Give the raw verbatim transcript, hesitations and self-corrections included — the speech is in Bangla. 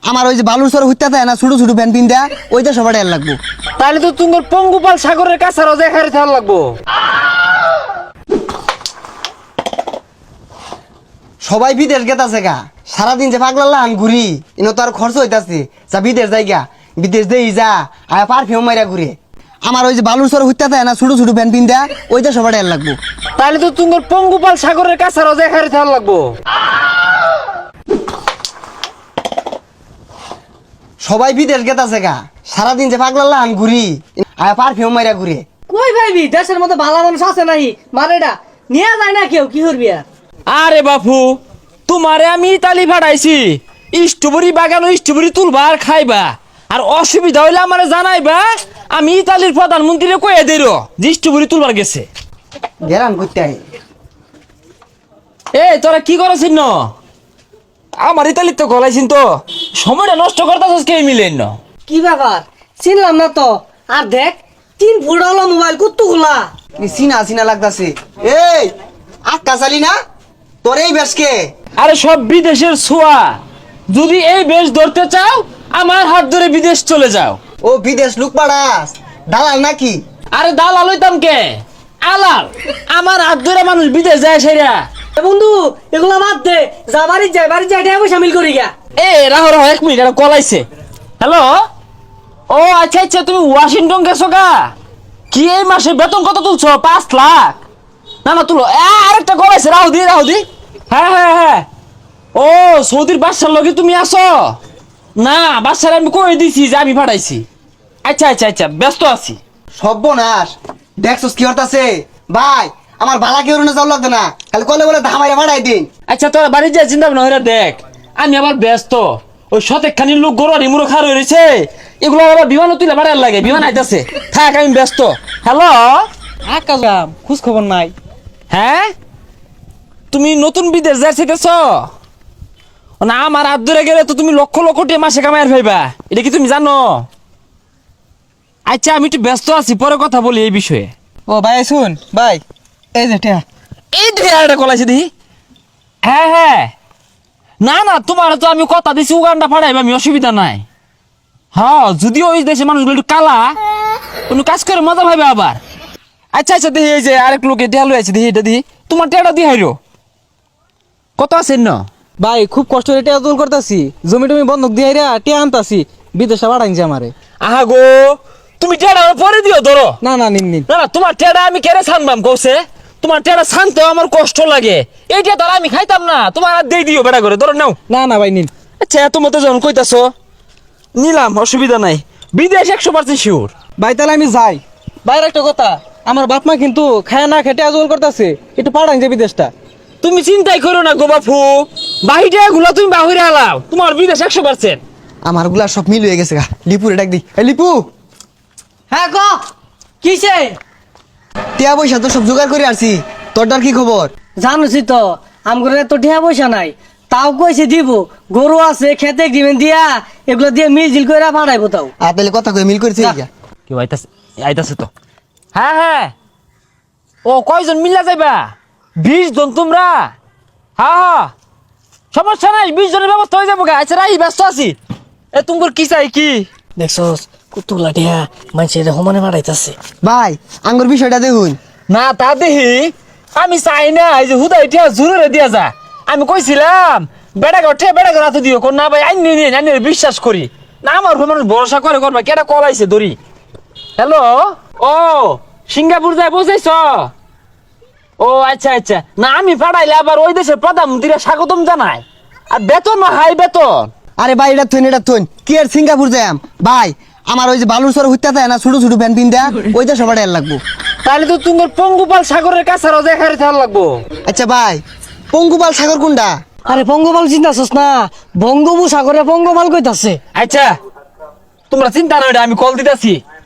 আমার ওই যে বালুর সর হইতে থাকে না ছোট ছোট প্যান্ট পিন দেয়া ওইটা সবার এর লাগবো। তাহলে তো তোমার পঙ্গুপাল সাগরের কাছে রোজা খারে থাকা লাগবো। সবাই বিদেশ গেতাছে গা, সারাদিন যে পাগলাল্লা আন ঘুরি ইনো তো আর খরচ হইতাছে, যা বিদেশ যাই গা, বিদেশ দেই যা আয়া পারফিউম মাইরা ঘুরে। আমার ওই যে বালুর সর হইতে থাকে না ছোট ছোট প্যান্ট পিন দেয়া ওইটা সবার এর লাগবো। তাহলে তো তোমার পঙ্গুপাল সাগরের কাছে রোজা খারে থাকা লাগবো। সবাই বিদেশ গেতাছে গা, সারাদিন যে পাগলাল্লা আন ঘুরি আয়া পারফিউম মাইরা ঘুরে। কই ভাইবি দেশের মধ্যে ভালো মানুষ আছে নাই? মারেডা নিয়ে যায় না কেউ, কি করবি আর? আরে বাপু, তোমারে আমি ইতালি পাঠাইছি স্ট্রবেরি বাগান, স্ট্রবেরি তুলবা আর খাইবা, আর অসুবিধা হইলে আমারে জানাইবা। আমি ইতালির প্রধানমন্ত্রীরে কয়ে দেই যে স্ট্রবেরি তুলবার গেছে। গেরান করতে আই এ তোরা কি করেছিস ন? আমার ইতালির তো গলাইছিন, তো সময়টা নষ্ট করতেছিস কে মিলেন না? কি ব্যাপার চিনলাম না তো। আর দেখ তিন ফুট হলো মোবাইল কতগুলা। চিনা চিনা লাগতাছে। এই আক্কা চালি না তোর এই বেশকে? আরে সব বিদেশের ছোঁয়া, যদি এই বেশ ধরতে চাও আমার হাত ধরে বিদেশ চলে যাও। ও বিদেশ লুক পাড়াস, দালাল নাকি? আরে দালাল হইতাম কে, আলাল। আমার হাত ধরে মানুষ বিদেশ যায় সেরা। এ বন্ধু এগুলা বাদ দে, যা বাড়ি যায়, বাড়ি যায় টাকা পয়সা মিল করি গা। এ রাহ রাহ এক মিনিট, এটা কলাইছে। হ্যালো, ও আচ্ছা আচ্ছা, তুমি ওয়াশিংটন গেছো গা? কি এই মাসে বেতন কত তুলছো? পাঁচ লাখ? না না তুলো। এ, আরেকটা কলাইছে, রাহু দি রাহু দি। হ্যাঁ হ্যাঁ হ্যাঁ, ও সৌদির বাদশার লগে তুমি আসো না? বাদশার আমি কই দিছি যে আমি পাঠাইছি। আচ্ছা আচ্ছা আচ্ছা, ব্যস্ত আছি। সর্বনাশ, দেখছস কি হতাছে? ভাই আমার বালা কেউ না যাও লাগতো না, খালি কলে বলে ধামাইরা ভাড়াই দিন। আচ্ছা তোরা বাড়ি যা, চিন্তা ভাবনা হইরা দেখ। আমি আবার ব্যস্ত, ওই শতেক খানি লোক গরু আর ইমুরো খার হয়েছে, এগুলো আবার বিমানও তুলে ভাড়ার লাগে, বিমান আইতাছে। থাক আমি ব্যস্ত। হ্যালো, আক্কা যাম, খোঁজ খবর নাই। হ্যাঁ তুমি নতুন বিদেশ যাইতেছ না? আমার হাত ধরে গেলে তো তুমি লক্ষ লক্ষ টাকা মাসে কামাইয়ার ভাইবা, এটা কি তুমি জানো? আচ্ছা আমি একটু ব্যস্ত আছি, পরে কথা বলি এই বিষয়ে। ও ভাই শুন ভাই, এই যে টিয়া এই দুইটা কলাইছে দেখি। হ্যাঁ হ্যাঁ, না না তোমার তো আমি কথা দিছি উগান্ডা ফাড়াইবা, আমি অসুবিধা নাই। হ্যাঁ যদিও ওই দেশে মানুষগুলো একটু কালা, কোনো কাজ করে মজা পাইবে আবার। আচ্ছা আচ্ছা দেখি, এই যে আরেক লোকে ঢেলো আছে, দেখি এটা দিই, তোমার টেটা দিয়ে হাইরো কত আছেন না? ভাই খুব কষ্ট করে টিয়া তুল করতেছি, জমি টমি বন্ধক দিয়ে রে টিয়া আনতাছি, বিদেশে পাঠাইছে আমারে। আহা গো, তুমি টেটা পরে দিও ধরো। না না নিন নিন। না না, তোমার টেটা আমি কেড়ে ছানবাম কৌছে, তোমার টেটা ছানতেও আমার কষ্ট লাগে, এইটা ধর আমি খাইতাম না, তোমার আর দিয়ে দিও বেড়া করে, ধরো নাও। না না ভাই নিন। আচ্ছা এত মতো যখন কইতাছ নিলাম, অসুবিধা নাই, বিদেশ একশো পার্সেন্ট শিওর। ভাই তাহলে আমি যাই। বাইরে একটা কথা, আমার বাপ মা কিন্তু খায় না খেটে আজল করতেছে, একটু পাঠাইছে বিদেশটা। তুমি চিন্তাই করো না গো বাপু, বাহিরে গুলা তুমি বাহিরে আলাও, তোমার বিদেশ একশো পার্সেন্ট। আমার গুলা সব মিল হয়ে গেছে গা। লিপুরে ডাক দি। এই লিপু, হ্যাঁ ক কিসে? টিয়া পয়সা তো সব জোগাড় করে আসছি, তোরটার কি খবর? জানোছি তো আমগরে তো টিয়া পয়সা নাই, তাও কইছে দিব, গরু আছে খেতে দিবেন দিয়া, এগুলো দিয়ে মিল জিল করে পাঠাইবো। তাও আর তাহলে কথা কই মিল করেছে যা। কেউ আইতাছে, আইতাছে তো। হ্যাঁ হ্যাঁ, ও কয়জন মিল্লা যাইবা? বিশ জন তোমরা? হ্যাঁ হ্যাঁ, সমস্যা নাই, বিশ জনের ব্যবস্থা হয়ে যাবো গা। আচ্ছা রাই, ব্যস্ত আছি। এ তোমার কি চাই কি? দেখছস কুতুলা টিয়া মানুষের সমানে পাঠাইতাছে। ভাই আঙ্গুর বিষয়টা দেখুন। না তা দেখি, আমি চাই না এই যে হুদা এটা জোরে দিয়া যা। আমি কইছিলাম বেড়া গঠে বেড়া গড়া তো দিও, কোন না ভাই আইনি নিন, আইনি বিশ্বাস করি না, আমার উপর মানুষ ভরসা করে করবা। কেটা কল আইছে দড়ি। হ্যালো, ও সিঙ্গাপুর যায় বুঝাইছ? ও আচ্ছা আচ্ছা, না আমি পাঠাইলে আবার ওই দেশের প্রধানমন্ত্রীরা স্বাগতম জানায়, আর বেতন হাই বেতন। আরে ভাই এটা থইন এটা থইন, কি আর সিঙ্গাপুর যাম ভাই? আমার ওই যে বালুর সর হইতে থাকে না ছোট ছোট প্যান্ট পিন দেয়া ওইটা সবার এর লাগবো। তাহলে তো তোমার পঙ্গুপাল সাগরের কাছে রোজা খারে থাকা লাগবো। আচ্ছা ভাই, পঙ্গুপাল সাগর কোনটা? আরে পঙ্গপাল চিন্তাছস না, বঙ্গোপসাগরে পঙ্গপাল কইতাছে। আচ্ছা তোমরা চিন্তা না, আমি কল দিতেছি।